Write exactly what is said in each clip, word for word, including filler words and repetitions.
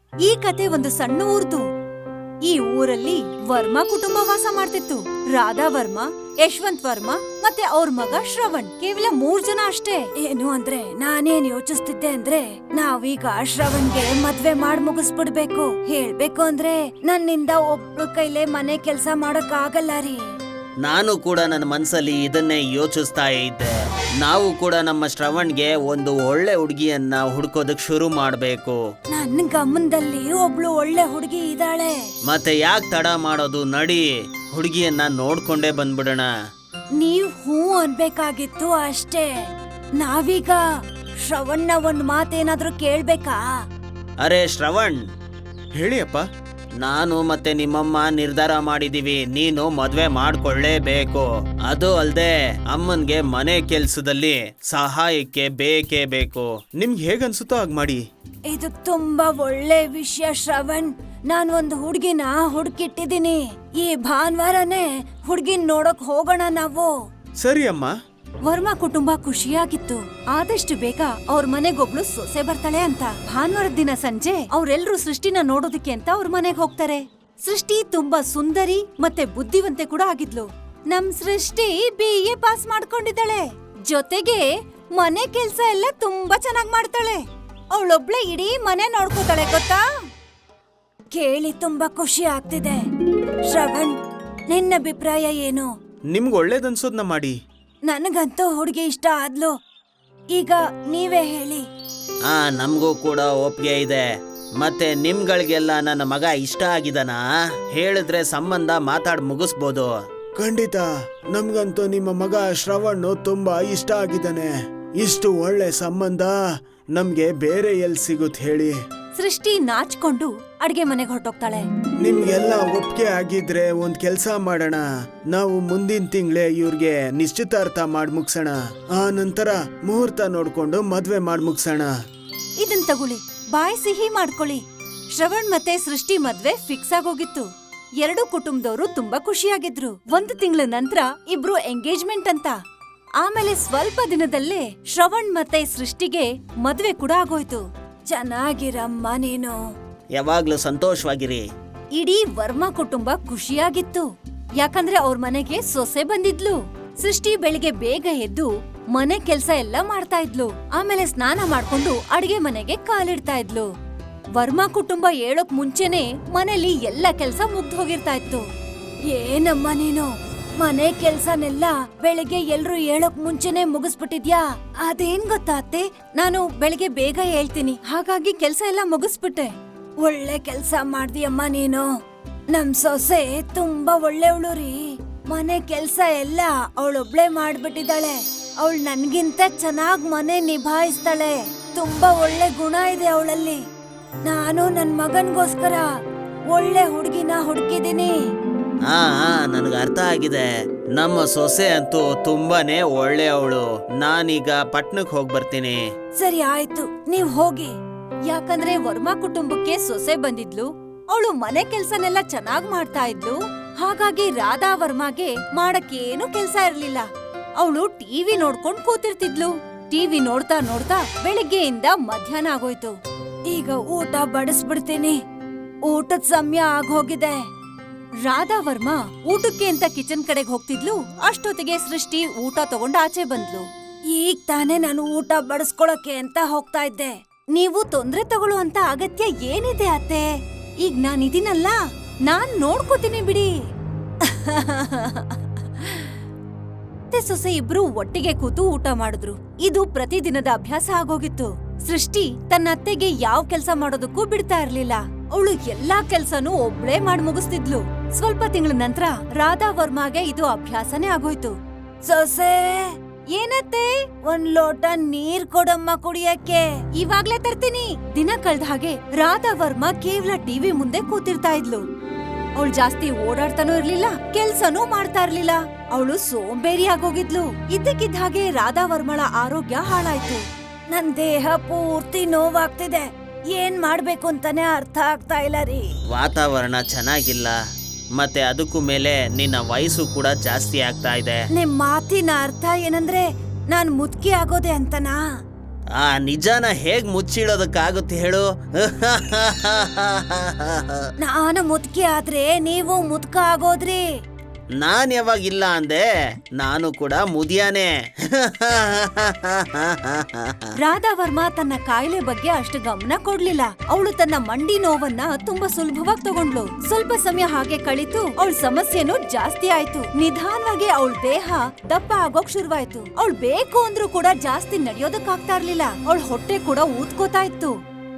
ಈ ಕತೆ ಒಂದು ಸಣ್ಣ ಊರ್ದು. ಈ ಊರಲ್ಲಿ ವರ್ಮಾ ಕುಟುಂಬ ವಾಸ ಮಾಡ್ತಿತ್ತು. ರಾಧಾ ವರ್ಮಾ, ಯಶವಂತ್ ವರ್ಮಾ ಮತ್ತೆ ಅವ್ರ ಮಗ ಶ್ರವಣ್, ಕೇವಲ ಮೂರ್ ಜನ ಅಷ್ಟೇ. ಏನು ಅಂದ್ರೆ ನಾನೇನ್ ಯೋಚಿಸ್ತಿದ್ದೆ ಅಂದ್ರೆ ನಾವೀಗ ಶ್ರವಣ್ಗೆ ಮದ್ವೆ ಮಾಡ್ ಮುಗಿಸ್ಬಿಡ್ಬೇಕು. ಹೇಳ್ಬೇಕು ಅಂದ್ರೆ ನನ್ನಿಂದ ಒಬ್ರು ಕೈಲೇ ಮನೆ ಕೆಲ್ಸ ಮಾಡಕ್ ಆಗಲ್ಲ ರೀ. ನಾನು ಕೂಡ ನನ್ನ ಮನ್ಸಲ್ಲಿ ಇದನ್ನೇ ಯೋಚಿಸ್ತಾ ಇದ್ದೆ. ನಾವು ಕೂಡ ನಮ್ಮ ಶ್ರವಣ್ಗೆ ಒಂದು ಒಳ್ಳೆ ಹುಡುಗಿಯನ್ನ ಹುಡ್ಕೋದಕ್ ಶುರು ಮಾಡ್ಬೇಕು. ನನ್ ಗಮನದಲ್ಲಿ ಒಬ್ಳು ಒಳ್ಳೆ ಹುಡುಗಿ ಇದ್ದಾಳೆ. ಮತ್ತೆ ಯಾಕೆ ತಡ ಮಾಡೋದು, ನಡಿ ಹುಡುಗಿಯನ್ನ ನೋಡ್ಕೊಂಡೇ ಬಂದ್ಬಿಡೋಣ. ನೀವ್ ಹೂ ಅನ್ಬೇಕಾಗಿತ್ತು ಅಷ್ಟೇ. ನಾವೀಗ ಶ್ರವಣ್ನ ಒಂದ್ ಮಾತೇನಾದ್ರೂ ಕೇಳ್ಬೇಕಾ? ಅರೆ ಶ್ರವಣ್, ಹೇಳಿ ಅಪ್ಪ. ನಾನು ಮತ್ತೆ ನಿಮ್ಮಮ್ಮ ನಿರ್ಧಾರ ಮಾಡಿದೀವಿ, ನೀನು ಮದ್ವೆ ಮಾಡ್ಕೊಳ್ಳೇಬೇಕು. ಅದು ಅಲ್ದೆ ಅಮ್ಮನ್ಗೆ ಮನೆ ಕೆಲ್ಸದಲ್ಲಿ ಸಹಾಯಕ್ಕೆ ಬೇಕೇ ಬೇಕು. ನಿಮ್ಗೆ ಹೇಗನ್ಸುತ್ತೋ ಹಾಗೆ ಮಾಡಿ. ಇದು ತುಂಬಾ ಒಳ್ಳೆ ವಿಷಯ ಶ್ರವಣ್. ನಾನ್ ಒಂದು ಹುಡ್ಗಿನ ಹುಡ್ಕಿಟ್ಟಿದೀನಿ. ಈ ಭಾನುವಾರನೇ ಹುಡ್ಗಿನ್ ನೋಡಕ್ ಹೋಗೋಣ ನಾವು. ಸರಿ ಅಮ್ಮ. ವರ್ಮಾ ಕುಟುಂಬ ಖುಷಿಯಾಗಿತ್ತು. ಆದಷ್ಟು ಬೇಗ ಅವ್ರ ಮನೆಗೊಬ್ಳು ಸೊಸೆ ಬರ್ತಾಳೆ ಅಂತ. ಭಾನುವಾರದ ದಿನ ಸಂಜೆ ಅವ್ರೆಲ್ರೂ ಸೃಷ್ಟಿನ ನೋಡೋದಕ್ಕೆ ಅಂತ ಅವ್ರ ಮನೆಗ್ ಹೋಗ್ತಾರೆ. ಸೃಷ್ಟಿ ತುಂಬಾ ಸುಂದರಿ ಮತ್ತೆ ಬುದ್ಧಿವಂತೆ ಕೂಡ ಆಗಿದ್ಲು. ನಮ್ ಸೃಷ್ಟಿ ಬಿ ಎ ಪಾಸ್ ಮಾಡ್ಕೊಂಡಿದ್ದಾಳೆ. ಜೊತೆಗೆ ಮನೆ ಕೆಲ್ಸ ಎಲ್ಲ ತುಂಬಾ ಚೆನ್ನಾಗ್ ಮಾಡ್ತಾಳೆ. ಅವಳೊಬ್ಳೆ ಇಡೀ ಮನೆ ನೋಡ್ಕೋತಾಳೆ ಗೊತ್ತಾ. ಕೇಳಿ ತುಂಬಾ ಖುಷಿ ಆಗ್ತಿದೆ. ಶ್ರವಣ್, ನಿನ್ನ ಅಭಿಪ್ರಾಯ ಏನು? ನಿಮ್ಗೆ ಒಳ್ಳೇದನ್ಸೋದ್ನ ಮಾಡಿ. ನನಗಂತೂ ಹುಡುಗಿ ಇಷ್ಟ ಆದ್ಲು. ಈಗ ನೀವೇ ಹೇಳಿ. ಆ ನಮಗೂ ಕೂಡ ಒಪ್ಪಿಗೆ ಇದೆ. ಮತ್ತೆ ನಿಮ್ಗಳಿಗೆಲ್ಲ ನನ್ನ ಮಗ ಇಷ್ಟ ಆಗಿದನಾ? ಹೇಳಿದ್ರೆ ಸಂಬಂಧ ಮಾತಾಡ್ ಮುಗಿಸ್ಬೋದು. ಖಂಡಿತ, ನಮ್ಗಂತೂ ನಿಮ್ಮ ಮಗ ಶ್ರವಣ್ ತುಂಬಾ ಇಷ್ಟ ಆಗಿದ್ದಾನೆ. ಇಷ್ಟು ಒಳ್ಳೆ ಸಂಬಂಧ ನಮ್ಗೆ ಬೇರೆ ಎಲ್ ಸಿಗುತ್ ಹೇಳಿ. ಸೃಷ್ಟಿ ನಾಚ್ಕೊಂಡು ಅಡ್ಗೆ ಮನೆಗೆ ಹೊರಟೋಗ್ತಾಳೆ. ನಿಮ್ಗೆಲ್ಲ ಒಪ್ಪಿಗೆ ಆಗಿದ್ರೆ ಒಂದ್ ಕೆಲ್ಸ ಮಾಡೋಣ. ನಾವು ಮುಂದಿನ ತಿಂಗಳೇ ಇವ್ರಿಗೆ ನಿಶ್ಚಿತಾರ್ಥ ಮಾಡ್ ಮುಗ್ಸೋಣ. ಆ ನಂತರ ಮುಹೂರ್ತ ನೋಡ್ಕೊಂಡು ಮದ್ವೆ ಮಾಡ್ ಮುಗ್ಸೋಣ. ಇದನ್ ತಗೊಳ್ಳಿ, ಬಾಯ್ ಸಿಹಿ ಮಾಡ್ಕೊಳ್ಳಿ. ಶ್ರವಣ್ ಮತ್ತೆ ಸೃಷ್ಟಿ ಮದ್ವೆ ಫಿಕ್ಸ್ ಆಗೋಗಿತ್ತು. ಎರಡು ಕುಟುಂಬದವರು ತುಂಬಾ ಖುಷಿಯಾಗಿದ್ರು. ಒಂದು ತಿಂಗಳ ನಂತರ ಇಬ್ರು ಎಂಗೇಜ್ಮೆಂಟ್ ಅಂತ. ಆಮೇಲೆ ಸ್ವಲ್ಪ ದಿನದಲ್ಲೇ ಶ್ರವಣ್ ಮತ್ತೆ ಸೃಷ್ಟಿಗೆ ಮದ್ವೆ ಕೂಡ ಆಗೋಯ್ತು. ಚೆನ್ನಾಗಿರಮ್ಮ ನೀನು. ಯಾವಾಗ್ಲೂ ಸಂತೋಷವಾಗಿರಿ. ಇಡೀ ವರ್ಮಾ ಕುಟುಂಬ ಖುಷಿಯಾಗಿತ್ತು. ಯಾಕಂದ್ರೆ ಅವ್ರ ಮನೆಗೆ ಸೊಸೆ ಬಂದಿದ್ಲು. ಸೃಷ್ಟಿ ಬೆಳಿಗ್ಗೆ ಬೇಗ ಎದ್ದು ಮನೆ ಕೆಲ್ಸ ಎಲ್ಲ ಮಾಡ್ತಾ ಇದ್ಲು. ಆಮೇಲೆ ಸ್ನಾನ ಮಾಡ್ಕೊಂಡು ಅಡ್ಗೆ ಮನೆಗೆ ಕಾಲಿಡ್ತಾ ಇದ್ಲು. ವರ್ಮಾ ಕುಟುಂಬ ಹೇಳೋಕ್ ಮುಂಚೆನೆ ಮನೇಲಿ ಎಲ್ಲ ಕೆಲ್ಸ ಮುಗ್ದು ಹೋಗಿರ್ತಾ ಇತ್ತು. ಏನಮ್ಮ ನೀನು ಮನೆ ಕೆಲ್ಸನೆಲ್ಲ ಬೆಳಿಗ್ಗೆ ಎಲ್ರು ಹೇಳೋಕ್ ಮುಂಚೆನೆ ಮುಗಿಸ್ಬಿಟ್ಟಿದ್ಯಾ? ಅದೇನ್ ಗೊತ್ತಾ ಅತ್ತೆ, ನಾನು ಬೆಳಿಗ್ಗೆ ಬೇಗ ಹೇಳ್ತೀನಿ, ಹಾಗಾಗಿ ಕೆಲ್ಸ ಎಲ್ಲ ಮುಗಿಸ್ಬಿಟ್ಟೆ. ಒಳ್ಳೆ ಕೆಲ್ಸ ಮಾಡ್ದಿಯಮ್ಮ ನೀನು. ನಮ್ ಸೊಸೆ ತುಂಬಾ ಒಳ್ಳೆವಳು ರೀ. ಮನೆ ಕೆಲ್ಸ ಎಲ್ಲ ಅವಳೊಬ್ಳೆ ಮಾಡ್ಬಿಟ್ಟಿದ್ದಾಳೆ. ಅವಳು ನನ್ಗಿಂತ ಚೆನ್ನಾಗ್ ಮನೆ ನಿಭಾಯಿಸ್ತಾಳೆ. ತುಂಬಾ ಒಳ್ಳೆ ಗುಣ ಇದೆ ಅವಳಲ್ಲಿ. ನಾನು ನನ್ ಮಗನ್ಗೋಸ್ಕರ ಒಳ್ಳೆ ಹುಡ್ಗಿನ ಹುಡುಕಿದೀನಿ. ಹಾ ಹಾ ನನ್ಗೆ ಅರ್ಥ ಆಗಿದೆ. ನಮ್ಮ ಸೊಸೆ ಅಂತೂ ತುಂಬಾನೇ ಒಳ್ಳೆ ಅವಳು. ನಾನೀಗ ಪಟ್ನಕ್ ಹೋಗ್ ಬರ್ತೀನಿ. ಸರಿ ಆಯ್ತು, ನೀವ್ ಹೋಗಿ. ಯಾಕಂದ್ರೆ ವರ್ಮಾ ಕುಟುಂಬಕ್ಕೆ ಸೊಸೆ ಬಂದಿದ್ಲು. ಅವಳು ಮನೆ ಕೆಲ್ಸನೆಲ್ಲ ಚೆನ್ನಾಗ್ ಮಾಡ್ತಾ ಇದ್ಲು. ಹಾಗಾಗಿ ರಾಧಾ ವರ್ಮಾಗೆ ಮಾಡಕ್ಕೇನು ಕೆಲ್ಸ ಇರ್ಲಿಲ್ಲ. ಅವಳು ಟಿವಿ ನೋಡ್ಕೊಂಡ್ ಕೂತಿರ್ತಿದ್ಲು. ಟಿವಿ ನೋಡ್ತಾ ನೋಡ್ತಾ ಬೆಳಿಗ್ಗೆಯಿಂದ ಮಧ್ಯಾಹ್ನ ಆಗೋಯ್ತು. ಈಗ ಊಟ ಬಡಿಸ್ಬಿಡ್ತೀನಿ. ಊಟದ ಸಮಯ ಆಗೋಗಿದೆ. ರಾಧಾ ವರ್ಮಾ ಊಟಕ್ಕೆ ಅಂತ ಕಿಚನ್ ಕಡೆಗೆ ಹೋಗ್ತಿದ್ಲು. ಅಷ್ಟೊತ್ತಿಗೆ ಸೃಷ್ಟಿ ಊಟ ತಗೊಂಡ್ ಆಚೆ ಬಂದ್ಲು. ಈಗ ತಾನೇ ನಾನು ಊಟ ಬಡಿಸ್ಕೊಳಕ್ಕೆ ಅಂತ ಹೋಗ್ತಾ ಇದ್ದೆ. ನೀವು ತೊಂದ್ರೆ ತಗೊಳ್ಳೋ ಅಂತ ಅಗತ್ಯ ಏನಿದೆ ಅತ್ತೆ? ಈಗ ನಾನಿದೀನಲ್ಲ, ನಾನ್ ನೋಡ್ಕೋತೀನಿ ಬಿಡಿ. ಅತ್ತೆ ಸೊಸೆ ಇಬ್ರು ಒಟ್ಟಿಗೆ ಕೂತು ಊಟ ಮಾಡಿದ್ರು. ಇದು ಪ್ರತಿದಿನದ ಅಭ್ಯಾಸ ಆಗೋಗಿತ್ತು. ಸೃಷ್ಟಿ ತನ್ನ ಅತ್ತೆಗೆ ಯಾವ ಕೆಲ್ಸ ಮಾಡೋದಕ್ಕೂ ಬಿಡ್ತಾ ಇರ್ಲಿಲ್ಲ. ಅವಳು ಎಲ್ಲಾ ಕೆಲ್ಸನೂ ಒಬ್ಳೇ ಮಾಡ್ ಮುಗಿಸ್ತಿದ್ಲು. ಸ್ವಲ್ಪ ತಿಂಗಳ ನಂತರ ರಾಧಾ ವರ್ಮಾಗೆ ಇದು ಅಭ್ಯಾಸನೇ ಆಗೋಯ್ತು. ಸೊಸೆ, ಏನತ್ತೆ? ಒಂದ್ ಲೋಟ ನೀರ್ ಕೊಡಮ್ಮ ಕುಡಿಯಕ್ಕೆ. ಇವಾಗ್ಲೇ ತರ್ತೀನಿ. ದಿನ ಕಳ್ದ ಹಾಗೆ ರಾಧಾ ವರ್ಮಾ ಕೇವಲ ಟಿವಿ ಮುಂದೆ ಕೂತಿರ್ತಾ ಇದ್ಲು. ಅವಳು ಜಾಸ್ತಿ ಓಡಾಡ್ತಾನೂ ಇರ್ಲಿಲ್ಲ, ಕೆಲ್ಸನೂ ಮಾಡ್ತಾ ಇರ್ಲಿಲ್ಲ. ಅವಳು ಸೋಂಬೇರಿ ಆಗೋಗಿದ್ಲು. ಇದ್ದಕ್ಕಿದ್ದ ಹಾಗೆ ರಾಧಾ ವರ್ಮಳ ಆರೋಗ್ಯ ಹಾಳಾಯ್ತು. ನನ್ ದೇಹ ಪೂರ್ತಿ ನೋವಾಗ್ತಿದೆ. ಏನ್ ಮಾಡ್ಬೇಕು ಅಂತಾನೆ ಅರ್ಥ ಆಗ್ತಾ ಇಲ್ಲ ರೀ. ವಾತಾವರಣ ಚೆನ್ನಾಗಿಲ್ಲ, ಮತ್ತೆ ಅದಕ್ಕೂ ಮೇಲೆ ನಿನ್ನ ವಯಸ್ಸು ಕೂಡ ಜಾಸ್ತಿ ಆಗ್ತಾ ಇದೆ. ನಿಮ್ ಮಾತಿನ ಅರ್ಥ ಏನಂದ್ರೆ ನಾನ್ ಮುದ್ಕಿ ಆಗೋದೆ ಅಂತನಾ? ಆ ನಿಜಾನ ಹೇಗ್ ಮುಚ್ಚಿಡೋದಕ್ಕಾಗುತ್ತೆ ಹೇಳು? ನಾನು ಮುದ್ಕಿ ಆದ್ರೆ ನೀವು ಮುದ್ಕ ಆಗೋದ್ರಿ. ನಾನ್ ಯಾವಾಗಿಲ್ಲ ಅಂದೆ, ನಾನು ಕೂಡ ಮುದಿಯಾನೆ. ರಾಧಾ ವರ್ಮಾ ತನ್ನ ಕಾಯಿಲೆ ಬಗ್ಗೆ ಅಷ್ಟು ಗಮನ ಕೊಡ್ಲಿಲ್ಲ. ಅವಳು ತನ್ನ ಮಂಡಿ ನೋವನ್ನ ತುಂಬಾ ಸುಲಭವಾಗಿ ತಗೊಂಡ್ಲು. ಸ್ವಲ್ಪ ಸಮಯ ಹಾಗೆ ಕಳಿತು, ಅವಳ ಸಮಸ್ಯೆನೂ ಜಾಸ್ತಿ ಆಯ್ತು. ನಿಧಾನವಾಗಿ ಅವಳ ದೇಹ ದಪ್ಪ ಆಗೋಕ್ ಶುರುವಾಯ್ತು. ಅವಳು ಬೇಕು ಅಂದ್ರೂ ಕೂಡ ಜಾಸ್ತಿ ನಡೆಯೋದಕ್ಕಾಗ್ತಾ ಇರ್ಲಿಲ್ಲ. ಅವಳ ಹೊಟ್ಟೆ ಕೂಡ ಊದ್ಕೋತಾ ಇತ್ತು.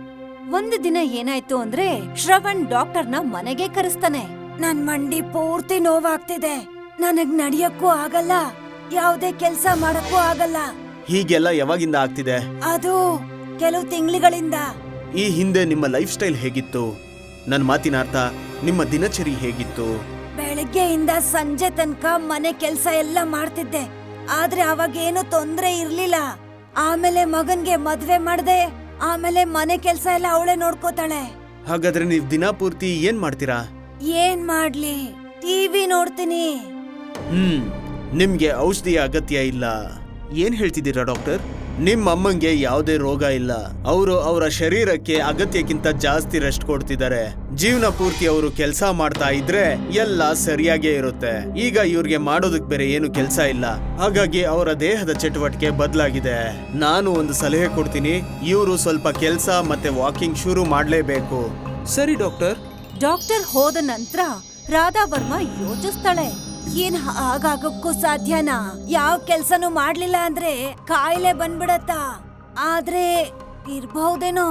ಒಂದು ದಿನ ಏನಾಯ್ತು ಅಂದ್ರೆ, ಶ್ರವಣ್ ಡಾಕ್ಟರ್ನ ಮನೆಗೆ ಕರೆಸ್ತಾನೆ. ನನ್ ಮಂಡಿ ಪೂರ್ತಿ ನೋವಾಗ್ತಿದೆ, ನನಗ್ ನಡಿಯಕ್ಕೂ ಆಗಲ್ಲ, ಯಾವ್ದೇ ಕೆಲ್ಸ ಮಾಡಕ್ಕೂ ಆಗಲ್ಲ. ಹೀಗೆಲ್ಲ ಯಾವಾಗಿಂದ ಆಗ್ತಿದೆ? ಅದು ಕೆಲವು ತಿಂಗಳಿಗಳಿಂದ. ಈ ಹಿಂದೆ ನಿಮ್ಮ ಲೈಫ್ ಸ್ಟೈಲ್ ಹೇಗಿತ್ತು? ನನ್ನ ಮಾತಿನ ಅರ್ಥ, ನಿಮ್ಮ ದಿನಚರಿ ಹೇಗಿತ್ತು? ಬೆಳಗ್ಗೆಯಿಂದ ಸಂಜೆ ತನಕ ಮನೆ ಕೆಲ್ಸ ಎಲ್ಲ ಮಾಡ್ತಿದ್ದೆ, ಆದ್ರೆ ಅವಾಗೇನು ತೊಂದ್ರೆ ಇರ್ಲಿಲ್ಲ. ಆಮೇಲೆ ಮಗನ್ಗೆ ಮದ್ವೆ ಮಾಡ್ದೆ, ಆಮೇಲೆ ಮನೆ ಕೆಲ್ಸ ಎಲ್ಲ ಅವಳೇ ನೋಡ್ಕೋತಾಳೆ. ಹಾಗಾದ್ರೆ ನೀವ್ ದಿನ ಪೂರ್ತಿ ಏನ್ ಮಾಡ್ತೀರಾ? ಏನ್ ಮಾಡ್ಲಿ, ಟಿವಿ ನೋಡ್ತೀನಿ. ಹ್ಮ್ ನಿಮ್ಗೆ ಔಷಧಿಯ ಅಗತ್ಯ ಇಲ್ಲ. ಏನ್ ಹೇಳ್ತಿದ್ದೀರಾ ಡಾಕ್ಟರ್? ನಿಮ್ಮ ಅಮ್ಮಂಗೆ ಯಾವುದೇ ರೋಗ ಇಲ್ಲ. ಅವರು ಅವರ ಶರೀರಕ್ಕೆ ಅಗತ್ಯಕ್ಕಿಂತ ಜಾಸ್ತಿ ರೆಸ್ಟ್ ಕೊಡ್ತಿದ್ದಾರೆ. ಜೀವನ ಪೂರ್ತಿ ಅವರು ಕೆಲಸ ಮಾಡ್ತಾ ಇದ್ರೆ ಎಲ್ಲ ಸರಿಯಾಗೇ ಇರುತ್ತೆ. ಈಗ ಇವ್ರಿಗೆ ಮಾಡೋದಕ್ ಬೇರೆ ಏನು ಕೆಲಸ ಇಲ್ಲ, ಹಾಗಾಗಿ ಅವರ ದೇಹದ ಚಟುವಟಿಕೆ ಬದಲಾಗಿದೆ. ನಾನು ಒಂದು ಸಲಹೆ ಕೊಡ್ತೀನಿ, ಇವರು ಸ್ವಲ್ಪ ಕೆಲಸ ಮತ್ತೆ ವಾಕಿಂಗ್ ಶುರು ಮಾಡ್ಲೇಬೇಕು. ಸರಿ ಡಾಕ್ಟರ್. ಡಾಕ್ಟರ್ ಹೋದ ನಂತರ ರಾಧಾ ವರ್ಮಾ ಯೋಚಿಸ್ತಾಳೆ, ಏನ್ ಹಾಗಾಗಕ್ಕೂ ಸಾಧ್ಯನಾ? ಯಾವ ಕೆಲ್ಸನೂ ಮಾಡ್ಲಿಲ್ಲ ಅಂದ್ರೆ ಕಾಯಿಲೆ ಬಂದ್ಬಿಡತ್ತಾ? ಆದ್ರೆ ಇರ್ಬಹುದೇನೋ.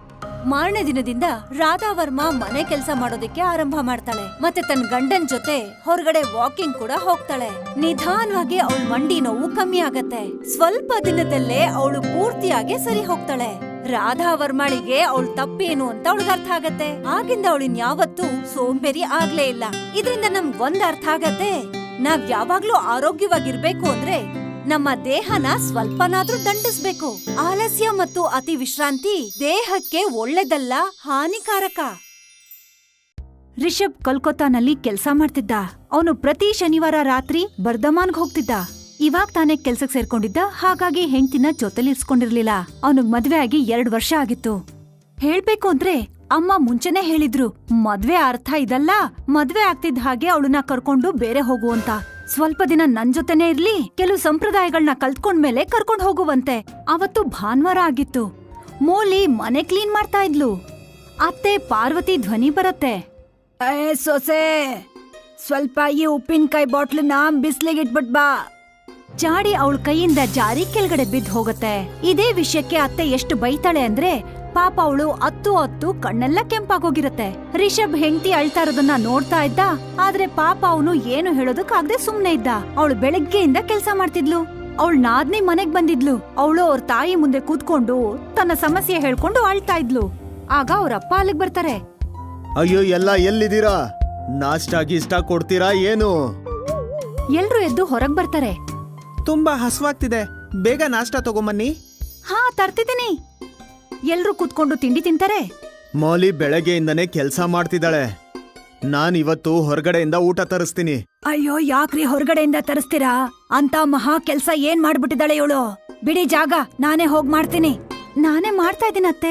ಮಾರನೇ ದಿನದಿಂದ ರಾಧಾ ವರ್ಮಾ ಮನೆ ಕೆಲಸ ಮಾಡೋದಕ್ಕೆ ಆರಂಭ ಮಾಡ್ತಾಳೆ. ಮತ್ತೆ ತನ್ನ ಗಂಡನ್ ಜೊತೆ ಹೊರಗಡೆ ವಾಕಿಂಗ್ ಕೂಡ ಹೋಗ್ತಾಳೆ. ನಿಧಾನವಾಗಿ ಅವಳ ಮಂಡಿ ನೋವು ಕಮ್ಮಿ ಆಗತ್ತೆ. ಸ್ವಲ್ಪ ದಿನದಲ್ಲೇ ಅವಳು ಪೂರ್ತಿಯಾಗಿ ಸರಿ ಹೋಗ್ತಾಳೆ. ರಾಧಾ ವರ್ಮಾಳಿಗೆ ಅವಳು ತಪ್ಪೇನು ಅಂತ ಅವಳಿಗೆ ಅರ್ಥ ಆಗತ್ತೆ. ಆಗಿಂದ ಅವಳಿನ್ ಯಾವತ್ತೂ ಸೋಂಬೇರಿ ಆಗ್ಲೇ ಇಲ್ಲ. ಇದರಿಂದ ನಮ್ಗ್ ಒಂದ್ ಅರ್ಥ ಆಗತ್ತೆ, ನಾವ್ ಯಾವಾಗ್ಲೂ ಆರೋಗ್ಯವಾಗಿರ್ಬೇಕು ಅಂದ್ರೆ ನಮ್ಮ ದೇಹನ ಸ್ವಲ್ಪನಾದ್ರೂ ದಂಡಿಸ್ಬೇಕು. ಆಲಸ್ಯ ಮತ್ತು ಅತಿ ವಿಶ್ರಾಂತಿ ದೇಹಕ್ಕೆ ಒಳ್ಳೆದಲ್ಲ, ಹಾನಿಕಾರಕ. ರಿಷಬ್ ಕೋಲ್ಕತ್ತಾನಲ್ಲಿ ಕೆಲ್ಸ ಮಾಡ್ತಿದ್ದ. ಅವನು ಪ್ರತಿ ಶನಿವಾರ ರಾತ್ರಿ ಬರ್ಧಮಾನ್ಗ್ ಹೋಗ್ತಿದ್ದ. ಇವಾಗ್ ತಾನೇ ಕೆಲ್ಸಕ್ ಸೇರ್ಕೊಂಡಿದ್ದ, ಹಾಗಾಗಿ ಹೆಂಡ್ತಿನ ಜೊತೆಲಿರ್ಸ್ಕೊಂಡಿರ್ಲಿಲ್ಲ. ಅವನಿಗ್ ಮದ್ವೆ ಆಗಿ ಎರಡ್ ವರ್ಷ ಆಗಿತ್ತು. ಹೇಳ್ಬೇಕು ಅಂದ್ರೆ ಅಮ್ಮ ಮುಂಚೆನೆ ಹೇಳಿದ್ರು, ಮದ್ವೆ ಅರ್ಥ ಇದಲ್ಲ, ಮದ್ವೆ ಆಗ್ತಿದ್ದ ಹಾಗೆ ಅವಳನ್ನ ಕರ್ಕೊಂಡು ಬೇರೆ ಹೋಗು ಅಂತ. ಸ್ವಲ್ಪ ದಿನ ನನ್ ಜೊತೆನೆ ಇರ್ಲಿ, ಕೆಲವು ಸಂಪ್ರದಾಯಗಳನ್ನ ಕಲ್ತ್ಕೊಂಡ್ಮೇಲೆ ಕರ್ಕೊಂಡ್ ಹೋಗುವಂತೆ. ಅವತ್ತು ಭಾನುವಾರ ಆಗಿತ್ತು. ಮೋಲಿ ಮನೆ ಕ್ಲೀನ್ ಮಾಡ್ತಾ ಇದ್ಲು. ಅತ್ತೆ ಪಾರ್ವತಿ ಧ್ವನಿ ಬರತ್ತೆ, ಏ ಸೊಸೆ, ಸ್ವಲ್ಪ ಈ ಉಪ್ಪಿನಕಾಯಿ ಬಾಟ್ಲನ್ನ ಬಿಸ್ಲಿಗೆ ಇಟ್ಬಿಟ್ ಬಾ. ಜಾಡಿ ಅವಳ ಕೈಯಿಂದ ಜಾರಿ ಕೆಳಗಡೆ ಬಿದ್ದು ಹೋಗತ್ತೆ. ಇದೇ ವಿಷಯಕ್ಕೆ ಅತ್ತೆ ಎಷ್ಟು ಬೈತಾಳೆ ಅಂದ್ರೆ, ಪಾಪ ಅವಳು ಅತ್ತು ಅತ್ತು ಕಣ್ಣೆಲ್ಲ ಕೆಂಪಾಗೋಗಿರತ್ತೆ. ರಿಷಬ್ ಹೆಂಡತಿ ಅಳ್ತಾ ಇರೋದನ್ನ ನೋಡ್ತಾ ಇದ್ದ, ಆದ್ರೆ ಪಾಪ ಅವನು ಏನು ಹೇಳೋದಕ್ಕಾಗದೆ ಸುಮ್ನೆ ಇದ್ದ. ಅವಳು ಬೆಳಗ್ಗೆಯಿಂದ ಕೆಲ್ಸ ಮಾಡ್ತಿದ್ಲು. ಅವಳು ನಾದ್ನಿ ಮನೆಗ್ ಬಂದಿದ್ಲು. ಅವಳು ಅವ್ರ ತಾಯಿ ಮುಂದೆ ಕೂತ್ಕೊಂಡು ತನ್ನ ಸಮಸ್ಯೆ ಹೇಳ್ಕೊಂಡು ಅಳ್ತಾ ಇದ್ಲು. ಆಗ ಅವ್ರಪ್ಪ ಅಲ್ಲಿಗ್ ಬರ್ತಾರೆ. ಅಯ್ಯೋ, ಎಲ್ಲ ಎಲ್ಲಿದ್ದೀರಾ? ನಾಷ್ಟಾ ಗೀಷ್ಟಾ ಕೊಡ್ತೀರಾ ಏನು? ಎಲ್ರು ಎದ್ದು ಹೊರಗ್ ಬರ್ತಾರೆ. ತುಂಬಾ ಹಸ್ವಾಗ್ತಿದೆ, ಬೇಗ ನಾಷ್ಟಾ ತಗೊಂಬನ್ನಿ. ಹಾ ತರ್ತಿದ್ದೀನಿ. ಎಲ್ರು ಕೂತ್ಕೊಂಡು ತಿಂಡಿ ತಿಂತಾರೆ. ಮೌಲಿ ಬೆಳಗ್ಗೆಯಿಂದನೇ ಕೆಲ್ಸ ಮಾಡ್ತಿದ್ದಾಳೆ. ನಾನ್ ಇವತ್ತು ಹೊರಗಡೆಯಿಂದ ಊಟ ತರಿಸ್ತೀನಿ. ಅಯ್ಯೋ, ಯಾಕ್ರಿ ಹೊರಗಡೆಯಿಂದ ತರಿಸ್ತೀರಾ? ಅಂತ ಮಹಾ ಕೆಲ್ಸ ಏನ್ ಮಾಡ್ಬಿಟ್ಟಿದ್ದಾಳೆ ಇವಳು. ಬಿಡಿ ಜಾಗ, ನಾನೇ ಹೋಗ್ ಮಾಡ್ತೀನಿ. ನಾನೇ ಮಾಡ್ತಾ ಇದ್ದೀನಿ ಅತ್ತೆ.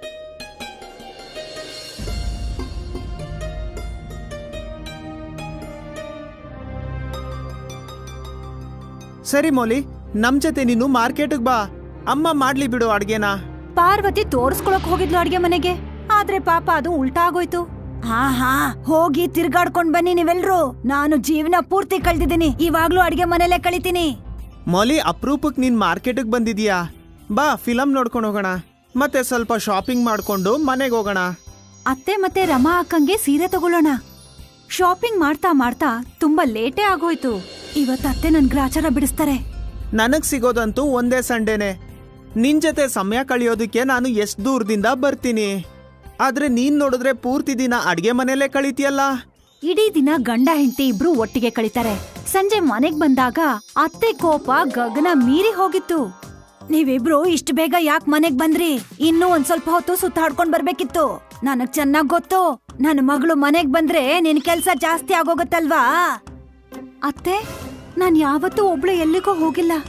ಸರಿ ಮೌಲಿ, ನಮ್ ಜೊತೆ ನೀನು ಮಾರ್ಕೆಟ್ಗೆ ಬಾ, ಅಮ್ಮ ಮಾಡ್ಲಿ ಬಿಡು ಅಡ್ಗೆನಾ. ಪಾರ್ವತಿ ತೋರ್ಸ್ಕೊಳಕ್ ಹೋಗಿದ್ಲು ಅಡ್ಗೆ ಮನೆಗೆ, ಆದ್ರೆ ಪಾಪ ಅದು ಉಲ್ಟಾ ಆಗೋಯ್ತು. ಹಾ ಹಾ ಹೋಗಿ ತಿರ್ಗಾಡ್ಕೊಂಡ್ ಬನ್ನಿ ನೀವೆಲ್ರು. ನಾನು ಜೀವನ ಪೂರ್ತಿ ಕಳ್ದಿದ್ದೀನಿ, ಇವಾಗ್ಲೂ ಅಡ್ಗೆ ಮನೆಯಲ್ಲೇ ಕಳಿತೀನಿ. ಮೌಲಿ, ಅಪ್ರೂಪಕ್ ನೀನ್ ಮಾರ್ಕೆಟ್ಗೆ ಬಂದಿದೀಯಾ? ಬಾ, ಫಿಲಂ ನೋಡ್ಕೊಂಡು ಹೋಗೋಣ, ಮತ್ತೆ ಸ್ವಲ್ಪ ಶಾಪಿಂಗ್ ಮಾಡ್ಕೊಂಡು ಮನೆಗೆ ಹೋಗೋಣ. ಅತ್ತೆ ಮತ್ತೆ ರಮಾ ಅಕ್ಕಂಗೆ ಸೀರೆ ತಗೊಳ್ಳೋಣ. ಶಾಪಿಂಗ್ ಮಾಡ್ತಾ ಮಾಡ್ತಾ ತುಂಬಾ ಲೇಟೇ ಆಗೋಯ್ತು. ಇವತ್ ಅತ್ತೆ ನನ್ ಗ್ರಾಚಾರ ಬಿಡಿಸ್ತಾರೆ. ನನಗ್ ಸಿಗೋದಂತೂ ಒಂದೇ ಸಂಡೇನೆ. ನಿನ್ ಜೊತೆ ಸಮಯ ಕಳಿಯೋದಕ್ಕೆ ನಾನು ಎಷ್ಟ್ ದೂರದಿಂದ ಬರ್ತೀನಿ, ಆದ್ರೆ ನೀನ್ ನೋಡಿದ್ರೆ ಪೂರ್ತಿ ದಿನ ಅಡ್ಗೆ ಮನೆಯಲ್ಲೇ ಕಳೀತಿಯಲ್ಲ. ಇಡೀ ದಿನ ಗಂಡ ಹೆಂಡತಿ ಇಬ್ರು ಒಟ್ಟಿಗೆ ಕಳೀತಾರೆ. ಸಂಜೆ ಮನೆಗ್ ಬಂದಾಗ ಅತ್ತೆ ಕೋಪ ಗಗನ ಮೀರಿ ಹೋಗಿತ್ತು. ನೀವಿಬ್ರು ಇಷ್ಟು ಬೇಗ ಯಾಕೆ ಮನೆಗ್ ಬಂದ್ರಿ? ಇನ್ನೂ ಒಂದ್ ಸ್ವಲ್ಪ ಹೊತ್ತು ಸುತ್ತಾಡ್ಕೊಂಡ್ ಬರ್ಬೇಕಿತ್ತು. ನನಗ್ ಚೆನ್ನಾಗ್ ಗೊತ್ತು, ನನ್ನ ಮಗಳು ಮನೆಗ್ ಬಂದ್ರೆ ನಿನ್ ಕೆಲ್ಸ ಜಾಸ್ತಿ ಆಗೋಗತ್ತಲ್ವಾ. ಅತ್ತೆ, ನಾನ್ ಯಾವತ್ತೂ ಒಬ್ಳು ಎಲ್ಲಿಗೋ ಹೋಗಿಲ್ಲ.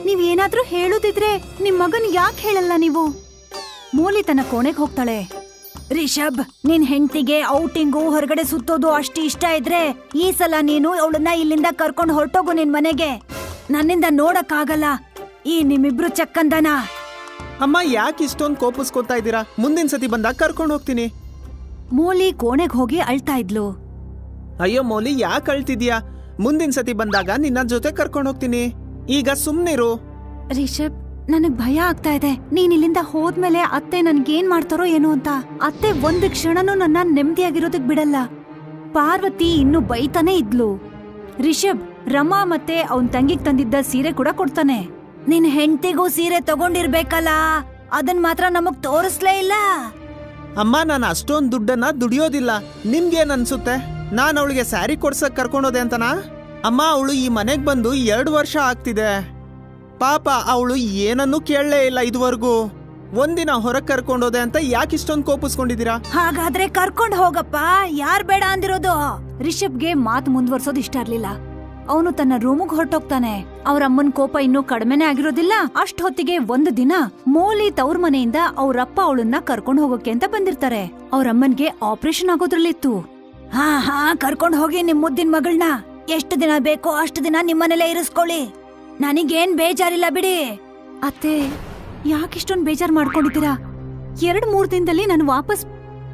ನೀವ್ ಏನಾದ್ರೂ ಹೇಳುದಿದ್ರೆ ನಿಮ್ ಮಗನ್ ಯಾಕೆ ಹೇಳಲ್ಲ ನೀವು? ಮೋಲಿ ತನ್ನ ಕೋಣೆಗೆ ಹೋಗ್ತಾಳೆ. ರಿಷಬ್, ನಿನ್ ಹೆಂಡತಿಗೆ ಔಟಿಂಗು ಹೊರಗಡೆ ಸುತ್ತೋದು ಅಷ್ಟು ಇಷ್ಟ ಇದ್ರೆ ಈ ಸಲ ನೀನು ಅವಳನ್ನ ಇಲ್ಲಿಂದ ಕರ್ಕೊಂಡು ಹೊರಟೋಗು ನಿನ್ ಮನೆಗೆ. ನನ್ನಿಂದ ನೋಡಕ್ಕಾಗಲ್ಲ ಈ ನಿಮ್ಮಿಬ್ರು ಚಕ್ಕಂದನ. ಅಮ್ಮ ಯಾಕೆ ಇಷ್ಟೊಂದು ಕೋಪಿಸ್ಕೊತಾ ಇದ್ದೀರಾ? ಮುಂದಿನ ಸತಿ ಬಂದಾಗ ಕರ್ಕೊಂಡು ಹೋಗ್ತೀನಿ. ಮೋಲಿ ಕೋಣೆಗೆ ಹೋಗಿ ಅಳ್ತಾ ಇದ್ಲು. ಅಯ್ಯೋ ಮೌಲಿ, ಯಾಕೆ ಅಳ್ತಿದ್ಯಾ? ಮುಂದಿನ ಸತಿ ಬಂದಾಗ ನಿನ್ನ ಜೊತೆ ಕರ್ಕೊಂಡು ಹೋಗ್ತೀನಿ. ಈಗ ಸುಮ್ನಿರು. ರಿಷಬ್, ನನಗ್ ಭಯ ಆಗ್ತಾ ಇದೆ. ನೀನ್ ಇಲ್ಲಿಂದ ಹೋದ್ಮೇಲೆ ಅತ್ತೆ ನನ್ಗೇನ್ ಮಾಡ್ತಾರೋ ಏನೋ ಅಂತ. ಅತ್ತೆ ಒಂದ್ ಕ್ಷಣನೂ ನನ್ನ ನೆಮ್ಮದಿಯಾಗಿರೋದಕ್ ಬಿಡಲ್ಲ. ಪಾರ್ವತಿ ಇನ್ನು ಬೈತಾನೆ ಇದ್ಲು. ರಿಷಬ್ ರಮಾ ಮತ್ತೆ ಅವನ್ ತಂಗಿಗ್ ತಂದಿದ್ದ ಸೀರೆ ಕೂಡ ಕೊಡ್ತಾನೆ. ನಿನ್ ಹೆಂಡತಿಗೂ ಸೀರೆ ತಗೊಂಡಿರ್ಬೇಕಲ್ಲ, ಅದನ್ ಮಾತ್ರ ನಮಗ್ ತೋರಿಸ್ಲೇ ಇಲ್ಲ. ಅಮ್ಮ, ನಾನು ಅಷ್ಟೊಂದು ದುಡ್ಡನ್ನ ದುಡಿಯೋದಿಲ್ಲ. ನಿಮ್ಗೇನ್ ಅನ್ಸುತ್ತೆ? ನಾನು ಅವಳಿಗೆ ಸ್ಯಾರಿ ಕೊಡ್ಸಕ್ ಕರ್ಕೊಂಡೋದೆ ಅಂತನಾ? ಅಮ್ಮ, ಅವಳು ಈ ಮನೆಗ್ ಬಂದು ಎರಡು ವರ್ಷ ಆಗ್ತಿದೆ. ಪಾಪ ಅವಳು ಏನನ್ನೂ ಕೇಳಲೇ ಇಲ್ಲ ಇದುವರೆಗೂ. ಒಂದಿನ ಹೊರಗ್ ಕರ್ಕೊಂಡೋದೆ ಅಂತ ಯಾಕೆ ಇಷ್ಟೊಂದು ಕೋಪಿಸ್ಕೊಂಡಿದ್ದೀರಾ? ಹಾಗಾದ್ರೆ ಕರ್ಕೊಂಡ್ ಹೋಗಪ್ಪ, ಯಾರ್ ಬೇಡ ಅಂದಿರೋದು? ರಿಷಬ್ಗೆ ಮಾತು ಮುಂದುವರ್ಸೋದು ಇಷ್ಟ ಇರ್ಲಿಲ್ಲ. ಅವನು ತನ್ನ ರೂಮಿಗೆ ಹೊರಟೋಗ್ತಾನೆ. ಅವ್ರ ಅಮ್ಮನ್ ಕೋಪ ಇನ್ನೂ ಕಡಿಮೆನೆ ಆಗಿರೋದಿಲ್ಲ. ಅಷ್ಟ್ ಹೊತ್ತಿಗೆ ಒಂದು ದಿನ ಮೋಲಿ ತವ್ರ ಮನೆಯಿಂದ ಅವ್ರಪ್ಪ ಅವಳನ್ನ ಕರ್ಕೊಂಡ್ ಹೋಗೋಕೆ ಅಂತ ಬಂದಿರ್ತಾರೆ. ಅವ್ರಮ್ಮನ್ಗೆ ಆಪರೇಷನ್ ಆಗೋದ್ರಲ್ಲಿತ್ತು. ಹಾ ಹಾ ಕರ್ಕೊಂಡ್ ಹೋಗಿ ನಿಮ್ ಮುದ್ದಿನ ಮಗಳನ್ನ. ಎಷ್ಟು ದಿನ ಬೇಕೋ ಅಷ್ಟು ದಿನ ನಿಮ್ಮನೆಲ್ಲೇ ಇರಿಸ್ಕೊಳ್ಳಿ. ನನಗೇನ್ ಬೇಜಾರಿಲ್ಲ ಬಿಡಿ. ಅತ್ತೆ, ಯಾಕಿಷ್ಟೊಂದ್ ಬೇಜಾರ್ ಮಾಡ್ಕೊಂಡಿದ್ದೀರಾ? ಎರಡ್ ಮೂರ್ ದಿನದಲ್ಲಿ ನಾನು ವಾಪಸ್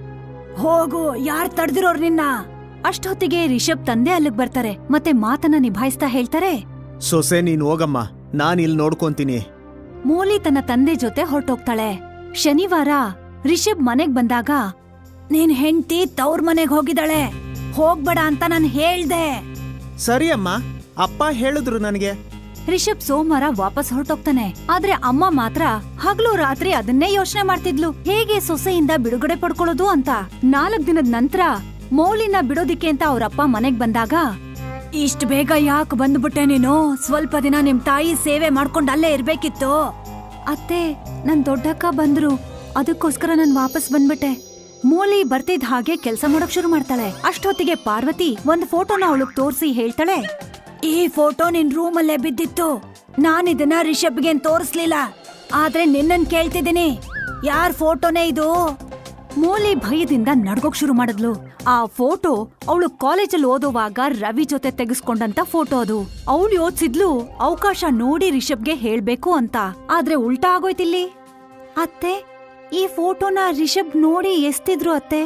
ಹೋಗು. ಯಾರ್ ತಡ್ದಿರೋರ್ ನಿನ್ನ? ಅಷ್ಟೊತ್ತಿಗೆ ರಿಷಬ್ ತಂದೆ ಅಲ್ಲಿಗ್ ಬರ್ತಾರೆ ಮತ್ತೆ ಮಾತನ್ನ ನಿಭಾಯಿಸ್ತಾ ಹೇಳ್ತಾರೆ, ಸೊಸೆ ನೀನ್ ಹೋಗಮ್ಮ, ನಾನ್ ಇಲ್ಲಿ ನೋಡ್ಕೊಂತೀನಿ. ಮೋಲಿ ತನ್ನ ತಂದೆ ಜೊತೆ ಹೊರಟೋಗ್ತಾಳೆ. ಶನಿವಾರ ರಿಷಬ್ ಮನೆಗ್ ಬಂದಾಗ, ನೀನ್ ಹೆಂಡ್ತಿ ತವ್ರ ಮನೆಗ್ ಹೋಗಿದ್ದಾಳೆ, ಹೋಗ್ಬೇಡ ಅಂತ ನಾನ್ ಹೇಳ್ದೆ. ಸರಿ ಅಮ್ಮ, ಅಪ್ಪ ಹೇಳಿದ್ರು ನನಗೆ. ರಿಷಬ್ ಸೋಮವಾರ ವಾಪಸ್ ಹೊರಟೋಗ್ತಾನೆ. ಆದ್ರೆ ಅಮ್ಮ ಮಾತ್ರ ಹಗಲು ರಾತ್ರಿ ಅದನ್ನೇ ಯೋಚನೆ ಮಾಡ್ತಿದ್ಲು, ಹೇಗೆ ಸೊಸೆಯಿಂದ ಬಿಡುಗಡೆ ಪಡ್ಕೊಳ್ಳೋದು ಅಂತ. ನಾಲ್ಕ್ ದಿನದ ನಂತರ ಮೌಲಿನ ಬಿಡೋದಿಕ್ಕೆ ಅಂತ ಅವ್ರಪ್ಪ ಮನೆಗ್ ಬಂದಾಗ, ಇಷ್ಟ ಬೇಗ ಯಾಕೆ ಬಂದ್ಬಿಟ್ಟೆ ನೀನು? ಸ್ವಲ್ಪ ದಿನ ನಿಮ್ ತಾಯಿ ಸೇವೆ ಮಾಡ್ಕೊಂಡ್ ಅಲ್ಲೇ ಇರ್ಬೇಕಿತ್ತು. ಅತ್ತೆ, ನನ್ ದೊಡ್ಡಕ್ಕ ಬಂದ್ರು, ಅದಕ್ಕೋಸ್ಕರ ನಾನ್ ವಾಪಸ್ ಬಂದ್ಬಿಟ್ಟೆ. ಮೋಲಿ ಬರ್ತಿದ್ ಹಾಗೆ ಕೆಲ್ಸ ಮಾಡೋಕ್ ಶುರು ಮಾಡ್ತಾಳೆ. ಅಷ್ಟೊತ್ತಿಗೆ ಪಾರ್ವತಿ ಒಂದ್ ಫೋಟೋನ ಅವಳಗ್ ತೋರ್ಸಿ ಹೇಳ್ತಾಳೆ, ಈ ಫೋಟೋ ನಿನ್ ರೂಮಲ್ಲೇ ಬಿದ್ದಿತ್ತು. ನಾನಿದನ್ನ ರಿಷಬ್ಗೇನ್ ತೋರಿಸ್ಲಿಲ್ಲ, ಆದ್ರೆ ನಿನ್ನನ್ ಕೇಳ್ತಿದ್ದೀನಿ, ಯಾರ್ ಫೋಟೋನೇ ಇದು? ಮೋಲಿ ಭಯದಿಂದ ನಡ್ಗೋಕ್ ಶುರು ಮಾಡಿದ್ಲು. ಆ ಫೋಟೋ ಅವಳು ಕಾಲೇಜಲ್ಲಿ ಓದುವಾಗ ರವಿ ಜೊತೆ ತೆಗೆಸ್ಕೊಂಡಂತ ಫೋಟೋ ಅದು. ಅವಳು ಯೋಚಿಸಿದ್ಲು ಅವಕಾಶ ನೋಡಿ ರಿಷಬ್ಗೆ ಹೇಳ್ಬೇಕು ಅಂತ. ಆದ್ರೆ ಉಲ್ಟಾ ಆಗೋಯ್ತಿಲ್ಲಿ. ಅತ್ತೆ, ಈ ಫೋಟೋನ ರಿಷಬ್ ನೋಡಿ ಎಸ್ತಿದ್ರು ಅತ್ತೆ.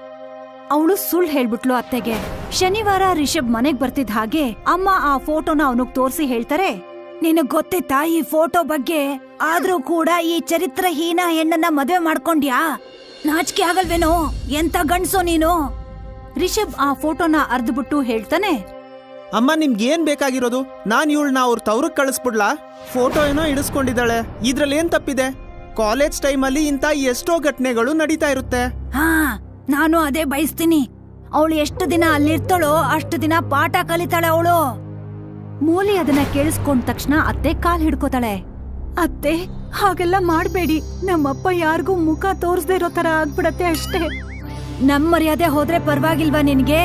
ಅವಳು ಸುಳ್ಳು ಹೇಳ್ಬಿಟ್ಲು ಅತ್ತೆಗೆ. ಶನಿವಾರ ರಿಷಬ್ ಮನೆಗ್ ಬರ್ತಿದ್ ಹಾಗೆ ಅಮ್ಮ ಆ ಫೋಟೋನ ಅವನಿಗ್ ತೋರ್ಸಿ ಹೇಳ್ತಾರೆ, ನಿನಗ್ ಗೊತ್ತಿತ್ತಾ ಈ ಫೋಟೋ ಬಗ್ಗೆ? ಆದ್ರೂ ಕೂಡ ಈ ಚರಿತ್ರಹೀನ ಹೆಣ್ಣನ್ನ ಮದ್ವೆ ಮಾಡ್ಕೊಂಡ್ಯಾ? ನಾಚಿಕೆ ಆಗಲ್ವೇನೋ? ಎಂತ ಗಂಡ್ಸೋ ನೀನು? ರಿಷಬ್ ಆ ಫೋಟೋನ ಅರ್ದ್ಬಿಟ್ಟು ಹೇಳ್ತಾನೆ, ಅಮ್ಮ, ನಿಮ್ಗೇನ್ ಬೇಕಾಗಿರೋದು? ನಾನ್ ಇವಳನ್ನ ಅವ್ರ ತವ್ರಕ್ ಕಳಿಸ್ಬಿಡ್ಲಾ? ಫೋಟೋ ಏನೋ ಇಡಿಸ್ಕೊಂಡಿದ್ದಾಳೆ, ಇದ್ರಲ್ಲಿ ಏನ್ ತಪ್ಪಿದೆ? ಕಾಲೇಜ್ ಟೈಮಲ್ಲಿ ಇಂತ ಎಷ್ಟೋ ಘಟನೆಗಳು ನಡೀತಾ ಇರುತ್ತೆ. ಹಾ, ನಾನು ಅದೇ ಬಯಸ್ತೀನಿ. ಅವಳು ಎಷ್ಟು ದಿನ ಅಲ್ಲಿರ್ತಾಳೋ ಅಷ್ಟು ದಿನ ಪಾಠ ಕಲಿತಾಳೆ ಅವಳು. ಮೋಲಿ ಅದನ್ನ ಕೇಳಿಸ್ಕೊಂಡ ತಕ್ಷಣ ಅತ್ತೆ ಕಾಲ್ ಹಿಡ್ಕೋತಾಳೆ. ಅತ್ತೆ, ಹಾಗೆಲ್ಲ ಮಾಡ್ಬೇಡಿ. ನಮ್ಮಪ್ಪ ಯಾರಿಗೂ ಮುಖ ತೋರಿಸದೇ ಇರೋ ತರ ಆಗ್ಬಿಡತ್ತೆ ಅಷ್ಟೇ. ನಮ್ ಮರ್ಯಾದೆ ಹೋದ್ರೆ ಪರವಾಗಿಲ್ವಾ ನಿನ್ಗೆ?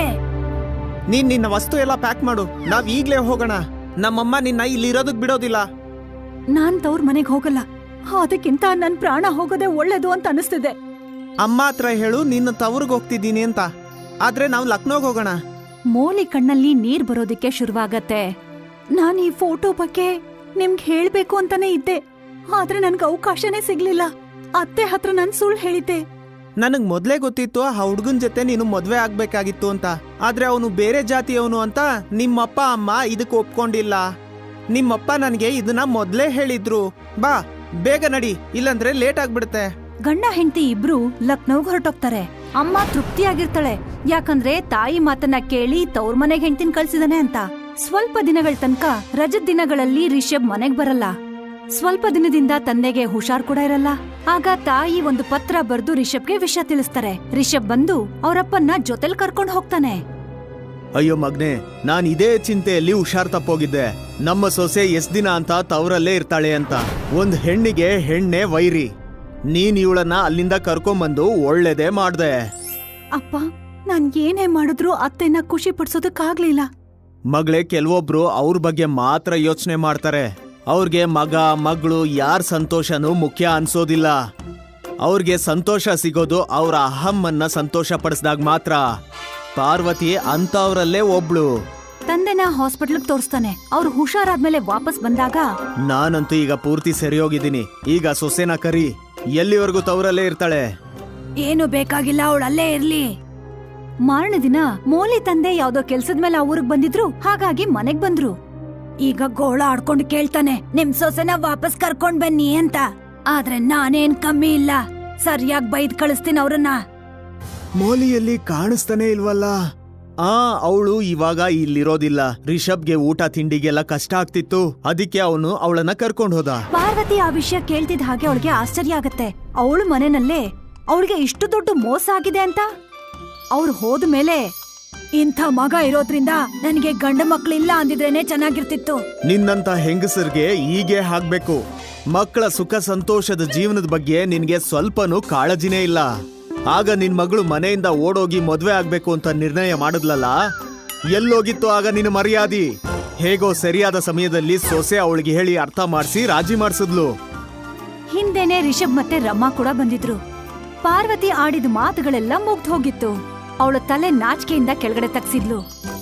ನೀನ್ ನಿನ್ನ ವಸ್ತು ಎಲ್ಲ ಪ್ಯಾಕ್ ಮಾಡು, ನಾವ್ ಈಗ್ಲೇ ಹೋಗೋಣ. ನಮ್ಮಮ್ಮ ನಿನ್ನ ಇಲ್ಲಿ ಇರೋದಕ್ ಬಿಡೋದಿಲ್ಲ. ನಾನ್ ತವ್ರ ಮನೆಗ್ ಹೋಗಲ್ಲ, ಅದಕ್ಕಿಂತ ನನ್ ಪ್ರಾಣ ಹೋಗೋದೇ ಒಳ್ಳೇದು ಅಂತ ಅನಿಸ್ತಿದೆ. ಅಮ್ಮ ಹತ್ರ ಹೇಳು ನಿನ್ನ ತವ್ರಿಗೆ ಹೋಗ್ತಿದ್ದೀನಿ ಅಂತ. ಆದ್ರೆ ನಾವ್ ಲಕ್ನೋಗ್ ಹೋಗೋಣ. ಮೋಲಿ ಕಣ್ಣಲ್ಲಿ ನೀರ್ ಬರೋದಿಕ್ಕೆ ಶುರುವಾಗತ್ತೆ. ನಾನ್ ಈ ಫೋಟೋ ಬಗ್ಗೆ ನಿಮ್ಗೆ ಹೇಳ್ಬೇಕು ಅಂತಾನೆ ಇದ್ದೆ, ಆದ್ರೆ ನನ್ಗೆ ಅವಕಾಶನೇ ಸಿಗ್ಲಿಲ್ಲ. ಅತ್ತೆ ಹತ್ರ ನನ್ ಸುಳ್ಳು ಹೇಳಿದ್ದೆ. ನನಗ್ ಮೊದ್ಲೇ ಗೊತ್ತಿತ್ತು ಆ ಹುಡ್ಗನ್ ಜೊತೆ ನೀನು ಮದ್ವೆ ಆಗ್ಬೇಕಾಗಿತ್ತು ಅಂತ. ಆದ್ರೆ ಅವನು ಬೇರೆ ಜಾತಿಯವನು ಅಂತ ನಿಮ್ಮಪ್ಪ ಅಮ್ಮ ಇದಕ್ ಒಪ್ಕೊಂಡಿಲ್ಲ. ನಿಮ್ಮಪ್ಪ ನನ್ಗೆ ಇದನ್ನ ಮೊದ್ಲೇ ಹೇಳಿದ್ರು. ಬಾ ಬೇಗ ನಡಿ, ಇಲ್ಲಂದ್ರೆ ಲೇಟ್ ಆಗ್ಬಿಡುತ್ತೆ. ಗಂಡ ಹೆಂಡತಿ ಇಬ್ರು ಲಕ್ನೋಗ್ ಹೊರಟೋಗ್ತಾರೆ. ಅಮ್ಮ ತೃಪ್ತಿಯಾಗಿರ್ತಾಳೆ, ಯಾಕಂದ್ರೆ ತಾಯಿ ಮಾತನ್ನ ಕೇಳಿ ತವ್ರ ಮನೆಗ್ ಹೆಂಡತಿನ ಕಳ್ಸಿದಾನೆ ಅಂತ. ಸ್ವಲ್ಪ ದಿನಗಳ ತನಕ ರಜದ ದಿನಗಳಲ್ಲಿ ರಿಷಬ್ ಮನೆಗ್ ಬರಲ್ಲ. ಸ್ವಲ್ಪ ದಿನದಿಂದ ತಂದೆಗೆ ಹುಷಾರ್ ಕೂಡ ಇರಲ್ಲ. ಆಗ ತಾಯಿ ಒಂದು ಪತ್ರ ಬರ್ದು ರಿಷಬ್ಗೆ ವಿಷಯ ತಿಳಿಸ್ತಾರೆ. ರಿಷಬ್ ಬಂದು ಅವರಪ್ಪನ್ನ ಜೊತೆಲ್ ಕರ್ಕೊಂಡ್ ಹೋಗ್ತಾನೆ. ಅಯ್ಯೋ ಮಗ್ನೆ, ನಾನ್ ಇದೇ ಚಿಂತೆಯಲ್ಲಿ ಹುಷಾರ್ ತಪ್ಪೋಗಿದ್ದೆ. ನಮ್ಮ ಸೊಸೆ ಎಷ್ಟ್ ದಿನ ಅಂತ ತವರಲ್ಲೇ ಇರ್ತಾಳೆ ಅಂತ. ಒಂದ್ ಹೆಣ್ಣಿಗೆ ಹೆಣ್ಣೆ ವೈರಿ. ನೀನ್ ಇವಳನ್ನ ಅಲ್ಲಿಂದ ಕರ್ಕೊಂಬಂದು ಒಳ್ಳೇದೇ ಮಾಡ್ದೆ. ಅಪ್ಪ, ನಾನ್ ಏನೇ ಮಾಡಿದ್ರು ಅತ್ತೆನ ಖುಷಿ ಪಡ್ಸೋದಕ್ಕಾಗ್ಲಿಲ್ಲ. ಮಗಳೇ, ಕೆಲವೊಬ್ರು ಅವ್ರ ಬಗ್ಗೆ ಮಾತ್ರ ಯೋಚನೆ ಮಾಡ್ತಾರೆ. ಅವ್ರಿಗೆ ಮಗ ಮಗಳು ಯಾರ ಸಂತೋಷನೂ ಮುಖ್ಯ ಅನ್ಸೋದಿಲ್ಲ. ಅವ್ರಿಗೆ ಸಂತೋಷ ಸಿಗೋದು ಅವರ ಅಹಮ್ಮನ್ನ ಸಂತೋಷ ಪಡಿಸಿದಾಗ ಮಾತ್ರ. ಪಾರ್ವತಿ ಅಂತವ್ರಲ್ಲೇ ಒಬ್ಳು. ತಂದೆನ ಹಾಸ್ಪಿಟ್ಲ್ಗೆ ತೋರಿಸ್ತಾನೆ. ಅವ್ರು ಹುಷಾರಾದ್ಮೇಲೆ ವಾಪಸ್ ಬಂದಾಗ ನಾನಂತೂ ಈಗ ಪೂರ್ತಿ ಸರಿ ಹೋಗಿದ್ದೀನಿ. ಈಗ ಸೊಸೆನ ಕರಿ, ಎಲ್ಲಿವರೆಗೂ ತವರಲ್ಲೇ ಇರ್ತಾಳೆ. ಏನು ಬೇಕಾಗಿಲ್ಲ, ಅವಳು ಅಲ್ಲೇ ಇರ್ಲಿ. ಮಾರನೇ ದಿನ ಮೋಲಿ ತಂದೆ ಯಾವ್ದೋ ಕೆಲ್ಸದ ಮೇಲೆ ಆ ಊರಿಗೆ ಬಂದಿದ್ರು. ಹಾಗಾಗಿ ಮನೆಗ್ ಬಂದ್ರು. ಈಗ ಗೋಳ ಆಡ್ಕೊಂಡು ಕೇಳ್ತಾನೆ, ನಿಮ್ ಸೊಸೆನ ವಾಪಸ್ ಕರ್ಕೊಂಡ್ ಬನ್ನಿ ಅಂತ. ಆದ್ರೆ ನಾನೇನ್ ಕಮ್ಮಿ ಇಲ್ಲ, ಸರಿಯಾಗಿ ಬೈದ್ ಕಳಿಸ್ತೀನಿ ಅವ್ರನ್ನ. ಮೋಲಿಯಲ್ಲಿ ಕಾಣಿಸ್ತಾನೆ ಇಲ್ವಲ್ಲ. ಆ ಅವಳು ಇವಾಗ ಇಲ್ಲಿರೋದಿಲ್ಲ. ರಿಷಬ್ಗೆ ಊಟ ತಿಂಡಿಗೆಲ್ಲ ಕಷ್ಟ ಆಗ್ತಿತ್ತು, ಅದಕ್ಕೆ ಅವನು ಅವಳನ್ನ ಕರ್ಕೊಂಡು ಹೋದ. ಪಾರ್ವತಿ ಆ ವಿಷಯ ಕೇಳ್ತಿದ್ ಹಾಗೆ ಅವಳಿಗೆ ಆಶ್ಚರ್ಯ ಆಗತ್ತೆ. ಅವಳು ಮನೆನಲ್ಲೇ ಅವಳಿಗೆ ಇಷ್ಟು ದೊಡ್ಡ ಮೋಸ ಆಗಿದೆ ಅಂತ. ಅವ್ರು ಹೋದ ಮೇಲೆ ಇಂಥ ಮಗ ಇರೋದ್ರಿಂದ ನನಗೆ ಗಂಡ ಮಕ್ಳಿಲ್ಲ ಅಂದಿದ್ರೇನೆ ಚೆನ್ನಾಗಿರ್ತಿತ್ತು. ನಿನ್ನಂತ ಹೆಂಗಸರ್ಗೆ ಹೀಗೆ ಆಗ್ಬೇಕು. ಮಕ್ಕಳ ಸುಖ ಸಂತೋಷದ ಜೀವನದ ಬಗ್ಗೆ ನಿನ್ಗೆ ಸ್ವಲ್ಪನೂ ಕಾಳಜಿನೇ ಇಲ್ಲ. ಆಗ ನಿನ್ ಮಗಳು ಮನೆಯಿಂದ ಓಡೋಗಿ ಮದ್ವೆ ಆಗ್ಬೇಕು ಅಂತ ನಿರ್ಣಯ ಮಾಡಿದ್ಲಲ್ಲ, ಎಲ್ಲೋಗಿತ್ತು ಆಗ ನಿನ್ನ ಮರ್ಯಾದಿ? ಹೇಗೋ ಸರಿಯಾದ ಸಮಯದಲ್ಲಿ ಸೊಸೆ ಅವಳಿಗೆ ಹೇಳಿ ಅರ್ಥ ಮಾಡಿಸಿ ರಾಜಿ ಮಾಡಿಸಿದ್ಲು. ಹಿಂದೆನೆ ರಿಷಬ್ ಮತ್ತೆ ರಮ್ಮ ಕೂಡ ಬಂದಿದ್ರು. ಪಾರ್ವತಿ ಆಡಿದ ಮಾತುಗಳೆಲ್ಲ ಮುಗ್ದು ಹೋಗಿತ್ತು. ಅವಳ ತಲೆ ನಾಚಿಕೆಯಿಂದ ಕೆಳಗಡೆ ತಗ್ಸಿದ್ಲು.